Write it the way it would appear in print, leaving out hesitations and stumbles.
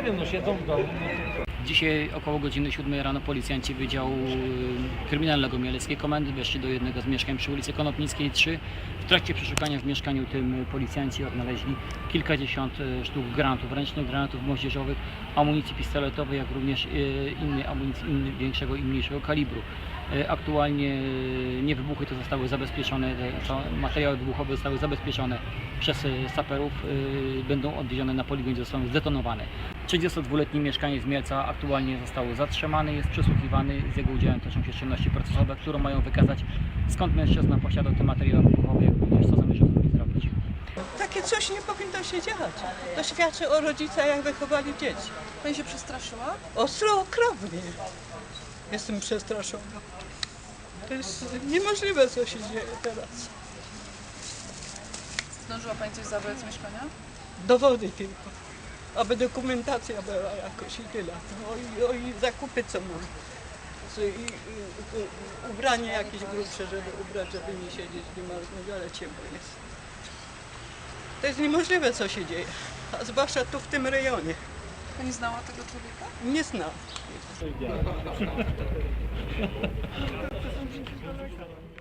nie wiem, no siedzą w domu. Dzisiaj około godziny 7 rano policjanci Wydziału Kryminalnego Mieleckiej Komendy weszli do jednego z mieszkań przy ulicy Konopnickiej 3. W trakcie przeszukania w mieszkaniu tym policjanci odnaleźli kilkadziesiąt sztuk granatów ręcznych, granatów moździerzowych, amunicji pistoletowej, jak również innej amunicji większego i mniejszego kalibru. Aktualnie niewybuchy to zostały zabezpieczone, materiały wybuchowe zostały zabezpieczone przez saperów, będą odwiezione na poligon, gdzie zostaną zdetonowane. 32-letni mieszkaniec z Mielca aktualnie został zatrzymany, jest przesłuchiwany, z jego udziałem toczą się czynności procesowe, które mają wykazać, skąd mężczyzna posiadał te materiały wybuchowe, jak również co zamierza z nimi zrobić. Takie coś nie powinno się dziać. To świadczy o rodzicach, jak wychowali dzieci. Pani się przestraszyła? Ostro, okropnie. Jestem przestraszona. To jest niemożliwe, co się dzieje teraz. Zdążyła Pani coś zabrać z mieszkania? Dowody tylko. Aby dokumentacja była jakoś i tyle. No i zakupy, co mam. Ubranie jakieś grubsze, żeby ubrać, żeby nie siedzieć, nie marnować, ale ciepło jest. To jest niemożliwe, co się dzieje. A zwłaszcza tu w tym rejonie. Pani znała tego człowieka? Nie znam.